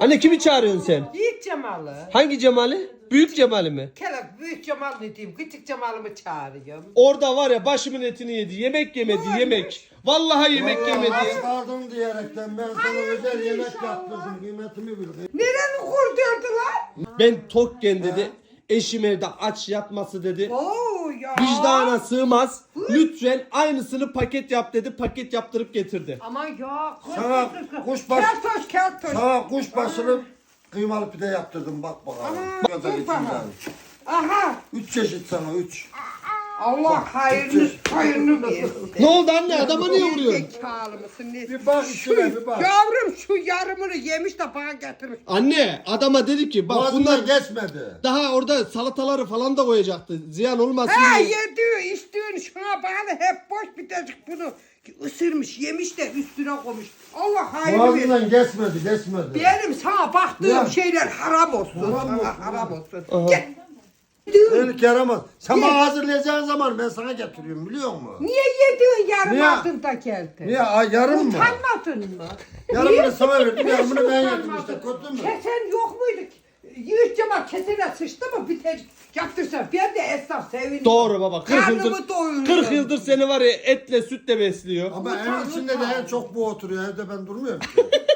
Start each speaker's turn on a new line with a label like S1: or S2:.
S1: Anne kimi çağırıyorsun sen?
S2: Yiğit Cemal'ı.
S1: Hangi Cemal'i? Büyük Cemal'i mi?
S2: Kelep büyük Cemal ne diyeyim? Küçük Cemal'ımı çağırıyorum.
S1: Orada var ya başımın etini yedi. Yemek yemedi yemek. Vallahi yemek yemedi.
S3: Aç kaldım diyerekten ben sana özel yemek yaptırdım. Kıymetimi bil.
S2: Nereni kurdurdular?
S1: Ben tokken dedi. Eşim evde aç yatması dedi.
S2: Oo ya.
S1: Vicdana sığmaz. Lütfen aynısını paket yap dedi. Paket yaptırıp getirdi.
S2: Aman ya.
S3: Sana kuşbaşı,
S2: Keltoş.
S3: sana kuşbaşılı kıymalı pide yaptırdım bak bakalım.
S2: Aman,
S3: Kadar
S2: dur
S3: içinden.
S2: bakalım. Aha.
S3: 3 çeşit sana 3.
S2: Allah hayırını versin.
S1: Ne oldu anne? Adama niye vuruyorsun?
S2: Zekalı mısın ne?
S3: Bir bak içine bir bak.
S2: Yavrum şu yarımını yemiş de bana getirmiş.
S1: Anne adama dedi ki bak
S3: Boğazından
S1: bunlar
S3: geçmedi.
S1: daha orada salataları falan da koyacaktı. Ziyan olmasın
S2: He
S1: diye.
S2: yediği içtiğin şuna bana hep boş bitecek bunu. Isırmış yemiş de üstüne koymuş. Allah hayırlı versin.
S3: Boğazından geçmedi.
S2: Benim sana baktığım
S3: Ya.
S2: şeyler haram olsun.
S3: Haram
S2: Sana
S3: olsun,
S2: haram olsun.
S1: Aha.
S2: Gel.
S3: Beni yaramaz. Sen
S2: Ye.
S3: bana hazırlayacağın zaman ben sana getiriyorum biliyor musun?
S2: Niye yediğin yarım
S3: Niye?
S2: altında geldi?
S3: Niye? Yarım mı?
S2: Utanmadın mı?
S3: Yarımını sana verdim, yarımını ben yedim
S2: Utanmadın?
S3: işte. Kötü mü?
S2: Kesen yok muydu? Yiğit Cemal kesene sıçtı mı biter yaptırsa ben de esnaf sevindim.
S1: Doğru baba. 40
S2: Karnımı
S1: yıldır,
S2: doyuruyorum.
S1: 40 yıldır seni var ya etle sütle besliyor.
S3: Ama
S2: Utan,
S3: evin içinde de
S2: utan.
S3: en çok bu oturuyor. Evde ben durmuyorum ki.